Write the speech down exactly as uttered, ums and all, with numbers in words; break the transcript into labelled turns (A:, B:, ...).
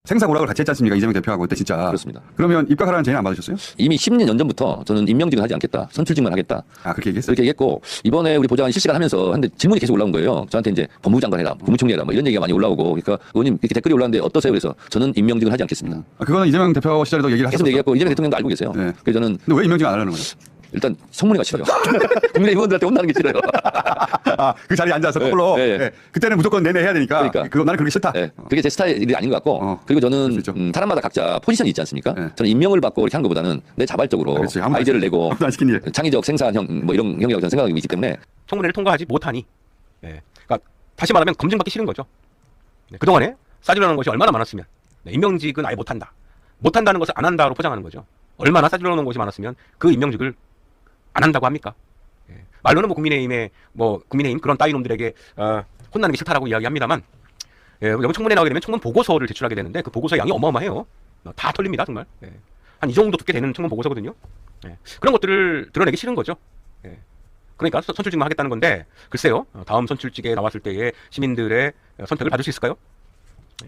A: 생사고락을 같이 했지 않습니까? 이재명 대표하고 그때 진짜.
B: 그렇습니다.
A: 그러면 입각하라는 제의는 안 받으셨어요?
B: 이미 십 년 전부터 저는 임명직은 하지 않겠다. 선출직만 하겠다.
A: 아, 그렇게 얘기했어요?
B: 그렇게 얘기했고, 이번에 우리 보좌관이 실시간 하면서 한데 질문이 계속 올라온 거예요. 저한테 이제 법무부 장관 해라, 국무총리 해라, 뭐 이런 얘기가 많이 올라오고, 그러니까 의원님 이렇게 댓글이 올라왔는데 어떠세요? 그래서 저는 임명직은 하지 않겠습니다.
A: 음. 아, 그거는 이재명 대표 시절에도 얘기를
B: 계속
A: 하셨어요.
B: 얘기했고, 이재명 대통령도 알고 계세요.
A: 네.
B: 그래서 저는
A: 근데 왜 임명직 안 하려는 거예요?
B: 일단 성문회가 싫어요. 국민의 의원들한테 혼나는 게 싫어요.
A: 아, 그 자리에 앉아서
B: 네,
A: 거꾸로.
B: 네, 네.
A: 네. 그때는 무조건 내내 해야 되니까.
B: 그러니까.
A: 그거 나는 그렇게 싫다.
B: 네. 그게 제 스타일이 아닌 것 같고,
A: 어.
B: 그리고 저는
A: 그렇죠.
B: 음, 사람마다 각자 포지션이 있지 않습니까?
A: 네.
B: 저는 임명을 받고 이렇게 하는 것보다는 내 자발적으로
A: 그렇지. 아무도
B: 아이디어를
A: 안 시키-
B: 내고
A: 아무도 안 시킨 일.
B: 창의적 생산형 뭐 이런 형이라고 저는 생각하고 있기 때문에
C: 청문회를 통과하지 못하니, 예. 그러니까 다시 말하면 검증받기 싫은 거죠. 네. 그동안에 싸주려는 것이 얼마나 많았으면, 네. 임명직은 아예 못한다. 못한다는 것을 안 한다로 포장하는 거죠. 얼마나 싸주려는 것이 많았으면 그 임명직을 안 한다고 합니까? 예. 말로는 뭐 국민의힘의 뭐 국민의힘 그런 따위 놈들에게 어, 혼나는 게 싫다라고 이야기합니다만, 예, 여기 청문회 나오게 되면 청문 보고서를 제출하게 되는데 그 보고서 양이 어마어마해요. 다 털립니다 정말. 예. 한 이 정도 두께 되는 청문 보고서거든요. 예. 그런 것들을 드러내기 싫은 거죠. 예. 그러니까 선출직만 하겠다는 건데, 글쎄요, 다음 선출직에 나왔을 때의 시민들의 선택을 받을 수 있을까요?